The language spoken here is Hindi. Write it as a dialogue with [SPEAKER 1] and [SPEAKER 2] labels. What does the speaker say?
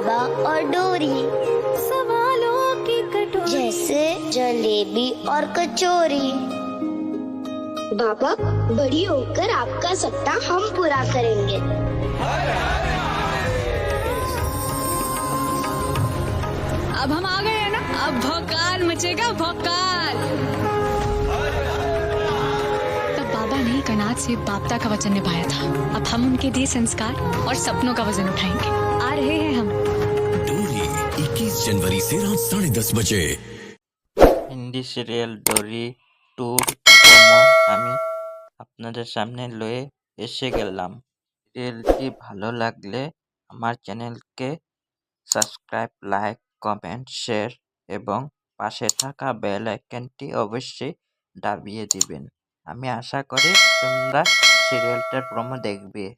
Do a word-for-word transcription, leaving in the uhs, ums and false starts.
[SPEAKER 1] बाबा और डोरी,
[SPEAKER 2] सवालों की कटोरी,
[SPEAKER 1] जैसे जलेबी और कचौरी। बाबा, बड़ी होकर आपका सपना हम पूरा करेंगे।
[SPEAKER 2] अब हम आ गए हैं ना, अब भौकाल मचेगा भौकाल। तब बाबा ने कनात से बापता का वचन निभाया था। अब हम उनके दिए संस्कार और सपनों का वजन उठाएंगे। आ रहे हैं हम।
[SPEAKER 3] डोरी इक्कीस जनवरी से रात साढ़े दस बजे।
[SPEAKER 4] হিন্দি সিরিয়াল ডোরি টুর প্রোমো আমি আপনাদের সামনে লয়ে এসে গেলাম। সিরিয়ালটি ভালো লাগলে আমার চ্যানেলকে সাবস্ক্রাইব, লাইক, কমেন্ট, শেয়ার এবং পাশে থাকা বেল আইকনটি অবশ্যই দাবিয়ে দিবেন। আমি আশা করি তোমরা সিরিয়ালটার প্রোমো দেখবে।